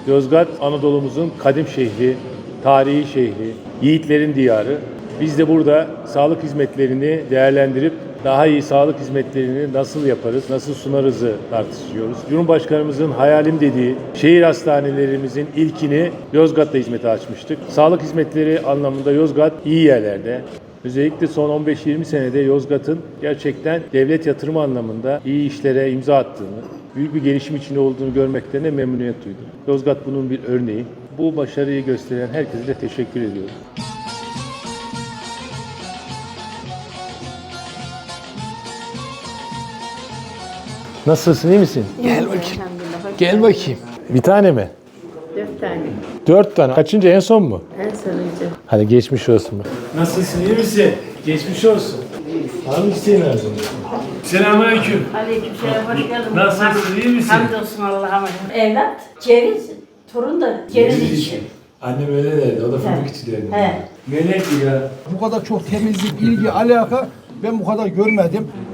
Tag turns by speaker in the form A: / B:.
A: Yozgat, Anadolu'muzun kadim şehri, tarihi şehri, yiğitlerin diyarı. Biz de burada sağlık hizmetlerini değerlendirip daha iyi sağlık hizmetlerini nasıl yaparız, nasıl sunarızı tartışıyoruz. Cumhurbaşkanımızın hayalim dediği şehir hastanelerimizin ilkini Yozgat'ta hizmete açmıştık. Sağlık hizmetleri anlamında Yozgat iyi yerlerde. Özellikle son 15-20 senede Yozgat'ın gerçekten devlet yatırımı anlamında iyi işlere imza attığını, büyük bir gelişim içinde olduğunu görmekten de memnuniyet duydum. Yozgat bunun bir örneği. Bu başarıyı gösteren herkese de teşekkür ediyorum. Nasılsın, iyi misin?
B: Gel bakayım. Gel bakayım.
A: Bir tane mi?
C: 4 tane.
A: 4 tane. Kaçıncı, en son mu?
C: En sonuncu.
A: Hadi geçmiş olsun. Nasılsın, iyi misin? Geçmiş olsun. Var mı isteğin lazım? Selamünaleyküm.
C: Aleykümselam, hoş geldin.
A: Nasılsın, iyi misin?
C: Hamdolsun Allah'a. Evlat, ceviz, torun da ceviz için.
A: Annem öyle derdi, o da fındık içi derdi.
C: He.
A: Melek ya.
D: Bu kadar çok temizlik, ilgi, alaka ben bu kadar görmedim.